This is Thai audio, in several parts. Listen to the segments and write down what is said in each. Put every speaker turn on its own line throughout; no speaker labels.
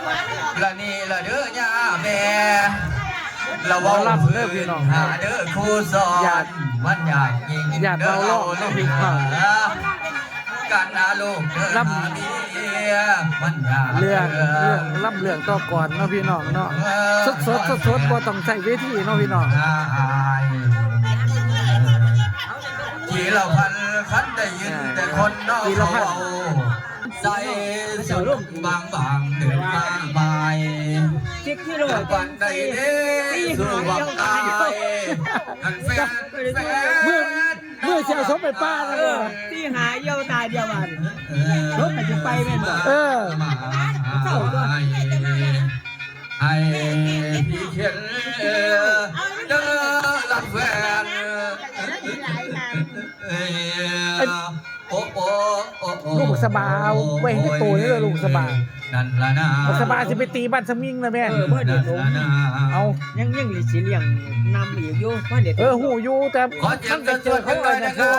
ละนี่ละเด้อย่าแม่ละว่าเด้อพี่น้องหาเด้อครูสอนมันอยากยิงเด้อเราเด้อพี่น้องการนาลูกเด้อรับมันอยาก
เรื่องรับเรื่องต่อก่อนเนาะพี่น้องเนาะสดบ่ต้องใส่เวทีเนาะพี่น้อง
กี่เราพันคันได้ยินแต่คนนอกเขาใส่สุดบางเดินมาใหม่วันใดเด้สู่วังตายกันแฟน
เมื่อเชียวสมไปป้าแล้ว
ที่หาเยี่ยวตาเดียวมันรถมันจะไปแม่นบ่
เศร้าก็ไอ้พี่เขียนเด้อรักแฟน
ลูกสบายไว้ให้โตนี่เลยลูกสบาย
นั่นละนะ
ลูกสบายจะไปตีบ้านสมิงนะแม่
เมื่อเด็ก
เอา
ยังสิเลี้ยงนำอีกอยู่ว่าเด็ก
หูอยู่แต่มันไปเจอเขาเลยนะคือ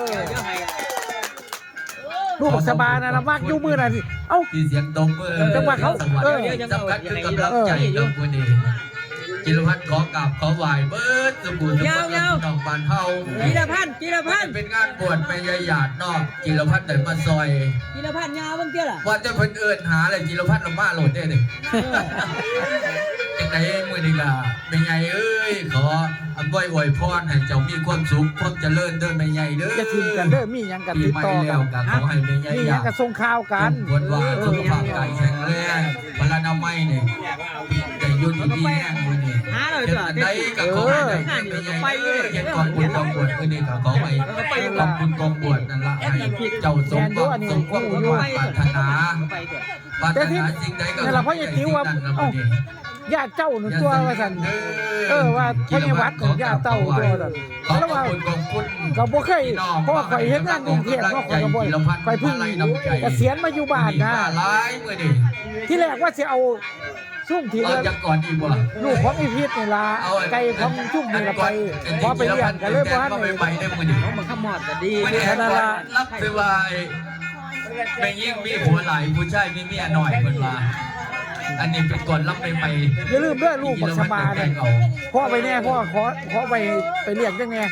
ลูกสบายนะละมากยู่มือน่ะสิเอ้า
เสียงตบ
จังหวะเขา
สำคัญคือกำลังใจน้องคนนี้จิรพัฒน์ขอกราบขอไหว้เบิร์ดสมุนน้องบ้านเฮา
จิรพัฒน์
เป็นงานบวชไปยายหยาดนอกจิรพัฒน์เดินมาซอย
จิรพัฒน์ยาวบางเจ้าล่ะ
ว่าจะเพิ่นเอิ้นหาอะไรจิรพัฒน์ลงมาโหลดได้เลยจังไดมื้อนี้ล่ะแม่ใหญ่เอ้ยขออวยพรให้เจ้ามีความสุขความเจริญเด้อแม่ใหญ่เด้อ
จะทีมกันเด้อมีหยังกันติดต่อ
กันขอให้แม่ใหญ่
มีหยังกันส่งข่าวกัน
ควรว่าสุขภาพกายแข็งแรงพลานามัยนี่ได้ยุ่นดีแห้งมื้อนี้
หาเราจ้ะ
ได้ก็ขอให้แม่ใหญ่ไปเฮ็ดก่อนบุญกองบวชมื้อนี้ก็ขอให้ขอบคุณกองบวชนั่นล่ะให้เจ้าสมความปรารถนาสิ่งใดก็
นั่นล่ะเพราะอย่าติ้วว่าญาติเจ้าหนึ่งตัวว่าสันว่าพระวัดของญาติเจ้าตัวสันแล้วว่าก็บ่เคยเพราะว่าข่อยเฮ็ดงานกรุงเทพก็ข่อยก็บ่ข่อยเพิ่งเกษียณมาอยู่บ้านนะที่แรกว่าสิเอาซุ่มทีละลูกของอีพิษนี่ล่ะไก่ของซุ่มนี่ล่ะไปพอไปเลี้ยงกันเลยบ่ทันได้
ไปได้มื้อนี้
มันขมอดก็ดี
นั่นล่ะรับคือว่าแม่ยิ่งมีผัวหลายผู้ชายมีเมียน้อยเพิ่นว่าอันนี้เป็นก่อนรับไป
อย่าลืมด้วยลูกบักสบายเลยพ่อไปแน่พ่อขอไปเรียกจังแน่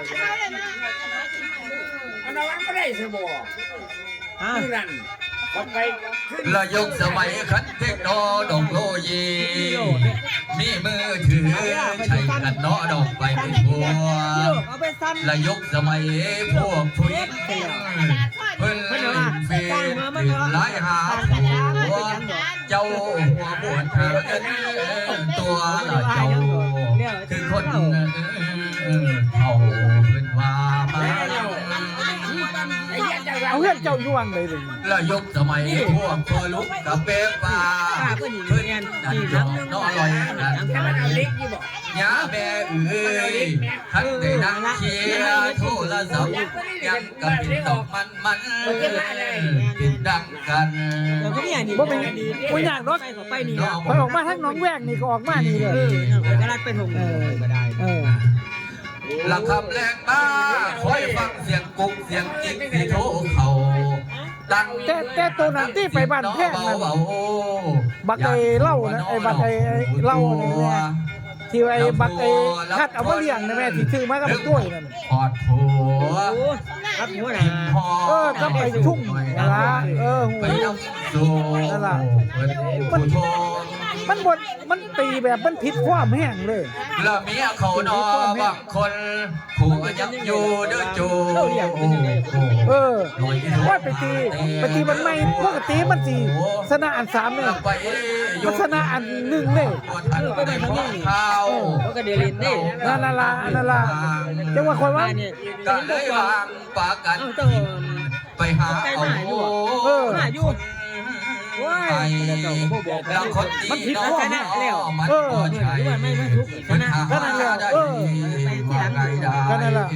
อันนั้นก็ได้สบนั่น
ระยกสมัยคันเทคโนโลยีมีมือถือใช้กันเนาะดอกไปเป็นบัวระยกสมัยพวกผู้หญิงเพิ่นเฟซหลายหาหัวเจ้าหัวบวชหาเงินตัวละเจ้าคือคนเอาเพิ่นว่ามา
เอาเรื่องเจ้าย่วงเลย
ระยกสมัยพวกพอลุกกับเป๊ะปลาเพื่อนนั่นน้อลอยนั่นยาแม่เอ้ยทันได้นั่งเชียร์โทรศัพท์ยังกับปิดตอกมันปิดดังกัน
บ่เป็นบ่อยากรถไปนี่พอออกมาทั้งน้องแวกนี่ก็ออกมานี่เลย
ก็รักเป็นหงก็ได้
หลังคำแรงบ้าคอยฟังเสียงกุ๊กเสียงจิ๊กที่โทรเขาดัง
แต่ตัวนั้นที่ไปบ้านแพงนั่นบักไอ้เล่านะไอ้บักไอ้เล่าเนี่ยที่ไอ้บักไอ้คัดเอามาเลี้ยงนะแม่ที่ซื้อมากับตัวนั่น
ปอดผัว
ครับหัวหน้า
ก็ไปชุ่มนะ
ไปน้ำสูนั่นล่ะ
มันตีแบบมันผิดความแห้งเลย
แล้วเมียเขานอบางคนผัวยังอยู่เด้อจู
ว่าไปตีมันไม่ปกติมันสีชนะอัน3เลยมันชนะอัน1เลย
ก็ได้ของเขา
ก็เดลินนี่
นั่นล่ะจังว่าคนว่า
ก็เลยวางปากกันไปหาเอา
อยู่ว้าย
แล้วคน
มันผิด
ข้อแม่แล้ว
ใช่
ไม่ทุกชนะ
ก็นั่นแหละก็นั่นแหละ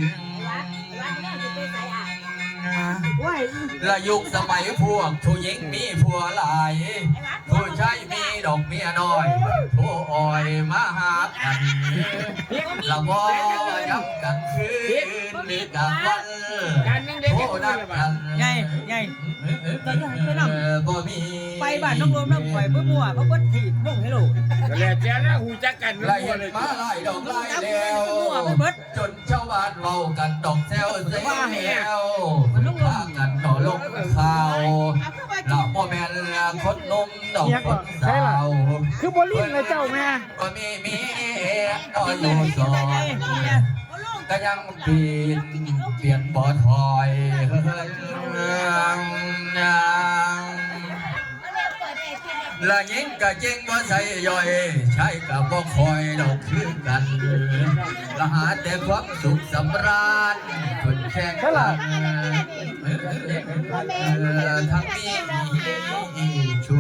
ละยุคสมัยพวกผู้หญิงมีผัวหลายผู้ชายมีดอกเมียน้อยผู้อ่อยมาหากันละบ่ยับกันคืนมีกันวันผู้ใดนักกัน
ไงก็ยังไปนำ
บ่มี
ไปบ้านน้องรวมน้ำข่อยเพื่อมั่วเขาก็ถีบม่งให้ลูก
แล้วแจ้นะหูจักกัน
ไล่มาไล่ดอกไล่แล้วจนชาวบ้านเมากันดอกแซวเสียวพากันต่อลงข่าวเราบ่แม่นคนนมดอกคนสาว
คือบ่ลิ้นเลยเจ้าแม่
ก็มีก็อยู่สองก็ยังเปลี่ยนบ่ถอยละยิงก็จริงว่าใส่ย่อยใช้กับบ่คอยดอกคือกันละหาแต่ความสุขสำราญคนแข่งกันทั้งมีชู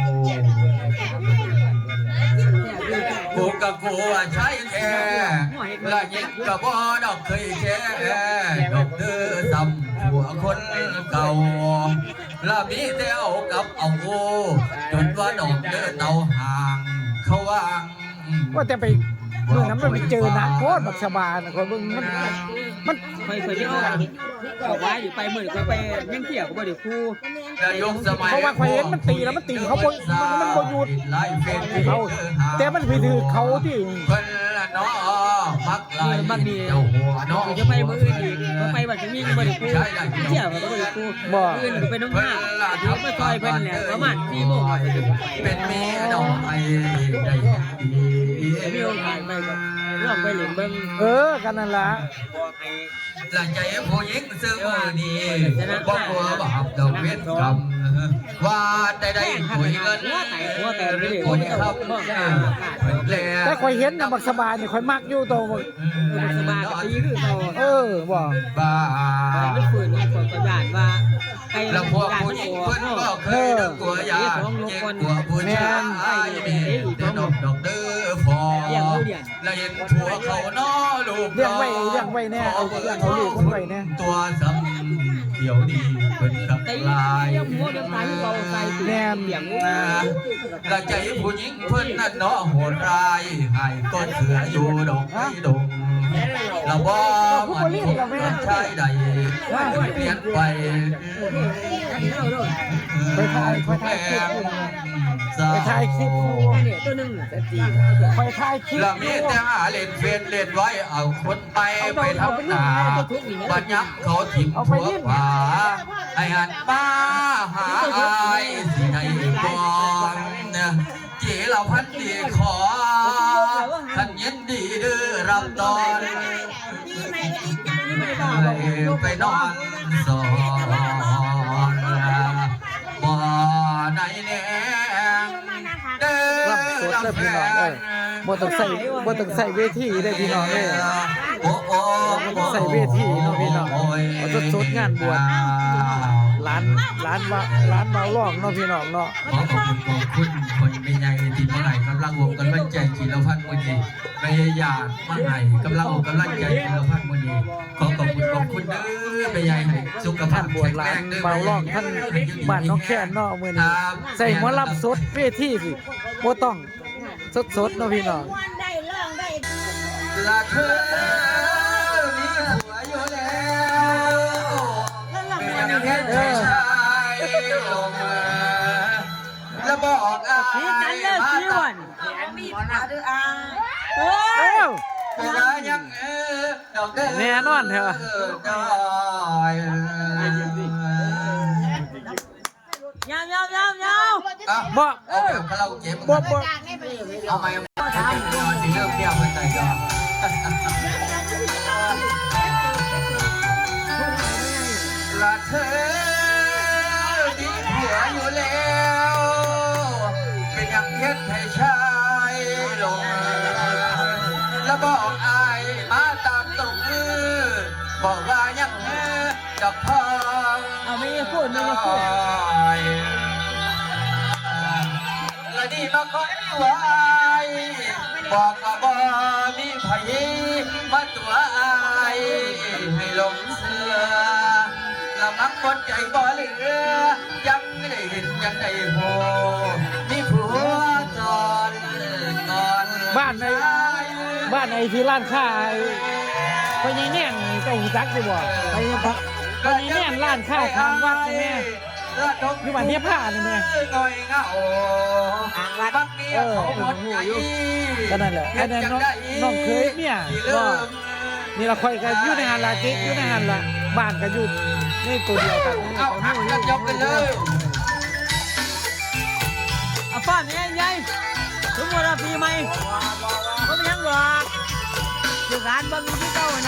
กูกับกูว่าใช้แค่ละยิงกับบ่ดอกเคยแค่ดอกเดือซ้ำหัวคนเก่าละมีแต่เอากับเอากูจนว่าดอกเดือเตาห่างเขาวาง
ว่าแต่ไปเมื่อนั้นมันไปเจอนะโคตรบักสบายนะคนมัน
ไปที่ห้องบอกว่าอยู่ไปเหมือนไปยังเที่ยวก็บ่เดี๋ยวครู
เพราะว่าข่อยเห็นมันตีแล้วมันตีเขาบ่มันบ่หยุดเขาแต่มันไปถือเขาที่
เพิ่นละเนาะมักลาย
บางที
เจ้าหัวเนาะ
จะไปมืออื่นอีกก็ไปบัดจะมีก็บ่เดี๋ยวครูเที่ยวก็บ่เดี๋ยวครูอื่นก็ไปน้องห้าเดี๋ยวมาซอยเพิ่นแหละประมาณ4 โมง
เป็นเมียดอกไม้ได้ดี
มีโอกาสไปแบบลองไปเล่นเบิ่ง
กันนั่นล่ะ
หลังใจผู้หญิงซื้อมือดีบอกว่าบาปดอกเวทกรรมว่าได้คุยเงินหรือคุยคำ
แต่ข่อยเห็นน่ะบักสบายนี่ข่อยมักอยู่โตบ่
สบายก็ตีคือเขา
บ่
บ้า
ไม่ฝืนคนก็ย่านว่าไป
แล้วพวกผู้หญิงเพิ่นก็เคยนึกกลัวยาเจ็บกลัวผู้ชายมีแต่ดอกเด้อฟอแล้วเห็นผัวเขาน้อลูก
เลี้ยงไว้แน่เอาลูกมันไว้แน่
ตัวซ้ำเดี๋ยวนี้เพิ่นกับลาย
หัวเดียวตายเราใส่แนมเสียง
ละใจผู้หญิงเพิ่นนั่นเนาะโหดร้ายให้ต้นเสืออยู่ดอกไม้ดงละบ่มันชายใดเปลี่ยนไป
ไปถ่ายคลิป
เนี่ยตัวนึงจะตี
ไปถ่ายคลิป
ละมีแต่หาเล่นเฟซเล่นไว้เอาคนไปทำหน้าบัดยักเขาถิ่มหัวขวาไอ้หันป้าหาอายสิได้ก่อนจีเราพันดีขอท่านยินดีดื้อรับตอนไปนอนสอนบ่อไหนแน่เด้อ
รับสดเลยพี่น้องบ่ต้องใส่เวทีได้พี่น้อง
โอ้
ใส่เวทีเนาะพี่น้องเอาสดงานบวชร้านเมาล่องเนาะพี่น้องเนาะ
ขอขอบคุณคนเป็นใหญ่ที่เมื่อไหร่กำลังวงกำลังใจกีฬาพันธ์วันนี้พยายามเมื่อไหร่กำลังวงกำลังใจกีฬาพันธ์วันนี้ขอขอบคุณเด้อเป็นใหญ่ให้สุขภา
ท่า
พ
นบวชร้านเมาล่องท่านบ้านน้องแค่นเนาะมื้อนี้ใส่หมอลำสดเวทีสิบ่ต้องสดเนาะพี่น้อง
ได้เรื่องได้
ละเธอมีผัวอยู่แล้วเป็นยังไงชายลงมาแล้วบอกอายมาตัด
มีปัญหาด้วยอ่ะ
ว่ายังดอกเด้อ
แน่นอนเถอะ
ยาวยาว
บ่
เอาไปคาราโอเกะ
บ่
เอาไหมสิเริ่มเปรี้ยวเป็นไงก็ละเธอมีผัวอยู่แล้วเป็นยังเฮ็ดให้ชายลงแล้วบอกอายมาตามตรงมือบอกว่ายังกับพ่อ
เอาไม่พูดไม่พูด
และนี่มาคอยไว้บอกว่าบ่มีไผมาตัวอายให้หลงเสือละมักบนใจบ่เหลือยังได้เห็นยังได้โหมีผัวจอนก่อน
บ้านไอ้ที่ร้านค้าไปยังแน่นเจ้าหูจักสิบ่ไปยังพักไปยังแน่นร้านานข้าวทางวัดนี่แม่อยู่บ้านเนี้ยผ้านี่แม่
ง่อยเหงาทางวัดเมียเขาหมดใจ
ก็นั่นแหละอันนั้นน้องเคยเนี่ยก็นี่ละคอยกันอยู่ในหันละเจ๊อยู่ในหันละบ้านกันอยู่นี่ตัวเดียวกัน
เอาหักกันยกกันเลย
เอาฟ้อนใหญ่ๆทุกคนปีใหม่ก็ไม่ยังหรอกอยู่ร้านบางที่เก่านะ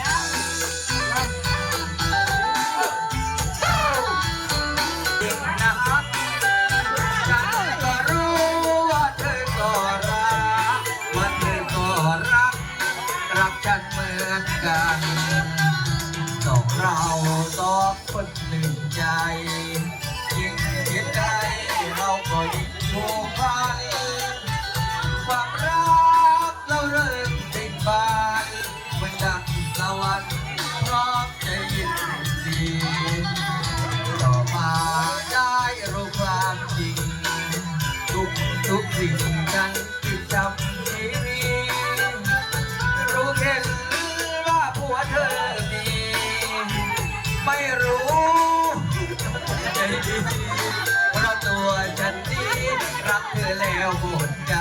ก็รู้ว่าเธอก็รักว่าเธอก็รักฉันเหมือนกันสองเราสองคนหนึ่งใจยิ่งคิดใจเราก็ยิ่งผูกพันความรักเราเริ่มติดบานเหมือนดังสวรรค์พร้อมจะยินดีต่อมาได้รู้ความจริงทุกสิ่งนั้นที่จำชีวิตรู้แค่ว่าผัวเธอมีไม่รู้ใจดีเพราะตัวฉันนี้รักเธอแล้วหมดใจ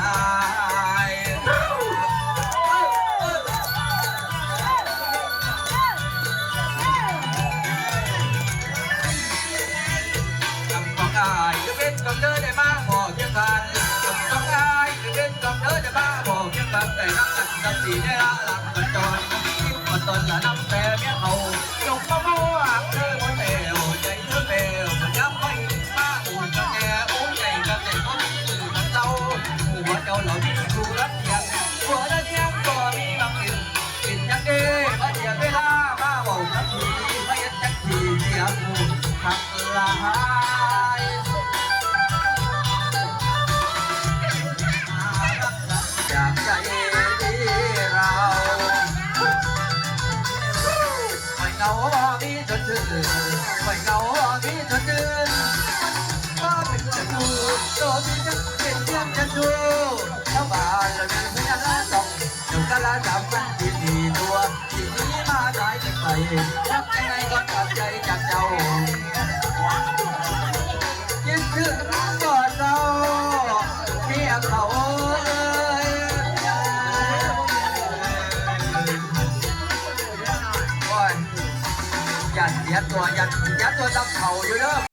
ทำของอายจะเป็นกับเธอได้มากพอเพียงกันต้องอายจะเป็นกับเธอได้บ้าบอกยังแบบแต่รักกันสักทีได้ละหลังกันจอนคิดว่าตนละน้ำแต่เมียเขาจงมาบัวเธอหมดเอวใจเธอเบลมันย้ำไม่มาอุ่นกันแน่อุ่นใจกันแต่ก็มีมือกันเจ้าหัวเจ้าเหล่านี้ดูรักยังหัวละเนียงก็มีบางอื่นกินยังดีมาเสียเวลามาบอกสักทีไม่ยันจักทีเสียผู้ทักลายจากใจเราไม่เหงามีจนถึงไม่เหงามีจนถึงว่าเป็นจะดูโตที่จะเป็นเรื่องจะดูชาวบ้านเรามีพยานต้องเดี๋ยวกันละ3 วันที่ดีตัวที่นี้มาได้จากใครรักยังไงก็ตัดใจจากเจ้าคิดถึงก่อนเราเมียเขายันเสียตัวยันตัวดำเข่าอยู่เด้อ